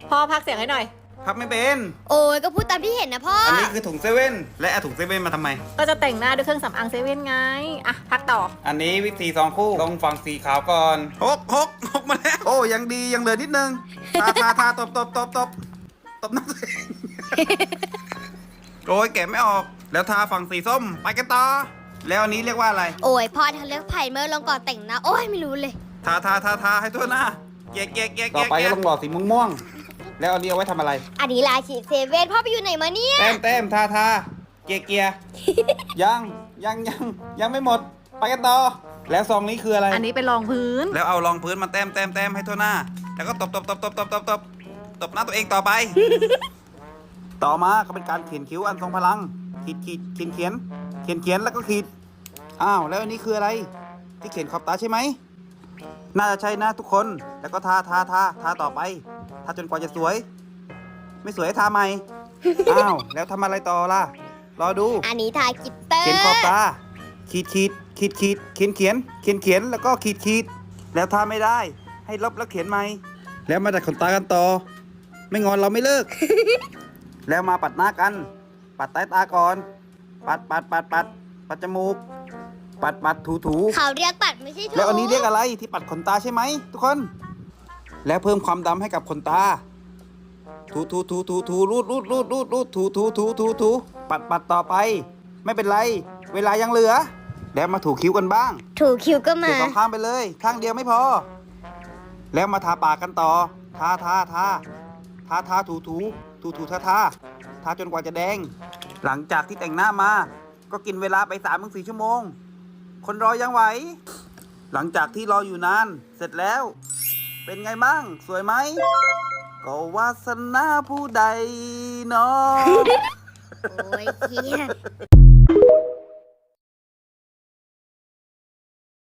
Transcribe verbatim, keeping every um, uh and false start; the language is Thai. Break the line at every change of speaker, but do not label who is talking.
พ่อพักเสียงให้หน่อย
พับไม่เป็น
โอ้ยก็พูดตามที่เห็นนะพ่อ
อั
อั
นนี้คือถุงเซเว่นและเอาถุงเซเว่นมาทำไม
ก็จะแต่งหน้าด้วยเครื่องสำอางเซเว่นไงอ่ะพักต่อ
อันนี้วิธีสองคู่ต้องฝั่งสีขาวก่อนหกหกหกมาแล้ว โอ้ยังดียังเหลือนิดนึง ทาทาทาตบตบตบตบตบหน้าตัวเองโอ้ยแกะไม่ออก แล้วทาฝั่งสีส้มไปกันต่อ แล้วอันนี้เรียกว่าอะไร
โอ้ยพ่อทะเลือกไผ่เมื่อลงก่อนแต่งหน้าโอ้ยไม่รู้เลย
ทาทาทาทาให้ทั่วหน้าแกะแกะแกะต่อไปก็ต้องหล่อสีม่วงม่วงๆแล้วอันนี้เอาไว้ทำอะไร
อันนี้ลาฉีดเซเว่นพ่อไปอยู่ไหนมาเนี่ย
แต้มแต้มทาทาเกียร์เกียร์ยังยังยังยังไม่หมดไปกันต่อ แล้วซองนี้คืออะไร
อันนี้เป็นรองพื้น
แล้วเอารองพื้นมาแต้มแต้มแต้มให้ทั่วหน้า แล้วก็ตบตบตบตบตบตบตบตบหน้าตัวเองต่อไป ต่อมาก็เป็นการเขียนคิ้วอันทรงพลัง ขีดขีดเขียนเขียนเขียนเขียนแล้วก็ขีดอ้าวแล้วอันนี้คืออะไร ที่เขียนขอบตาใช่ไหมน่าจะใช่นะทุกคนแล้วก็ทาทาทาทาต่อไปทาจนกว่าจะสวย ไม่สวยให้ทาใหม่ อ้าวแล้วทำอะไรต่อล่ะรอดู
อันนี้ทากิตเตอร์
เขียนขอบตา ขีดขีดขีดขีดเขียนเขียนเขียนเขียนแล้วก็ขีดขีดแล้วถ้าไม่ได้ ให้ลบแล้วเขียนใหม่ แล้วมาดัดขนตากันต่อ ไม่งอนเราไม่เลิก แล้วมาปัดหน้ากัน ปัดใต้ตาก่อน ปัดปัดปัดปัดปัดจมูก ปัดปัดถูถู
เขาเรียกปัดไม่ใช่ถู
แล้วอันนี้เรียกอะไรที่ปัดขนตาใช่ไหมทุกคน แล้วเพิ่มความดำให้กับขนตา ถูถูถูถูถูรูดรูดรูดรูดรูดถูถูถูถูถูปัดปัดต่อไป ไม่เป็นไร เวลายังเหลือ แล้วมาถูคิ้วกันบ้าง
ถูคิวก็
ถู
มา
สองข้างไปเลย ข้างเดียวไม่พอ แล้วมาทาปากกันต่อ ทาทาทาทาทาถูถูถูถูทาทาทาจนกว่าจะแดง หลังจากที่แต่งหน้ามา ก็กินเวลาไปสามถึงสี่ชั่วโมง คนรอยังไหว หลังจากที่รออยู่นาน เสร็จแล้ว เป็นไงบ้าง สวยไหม ก็วาสนาผู้ใดเนาะ
โอ้ยเครียด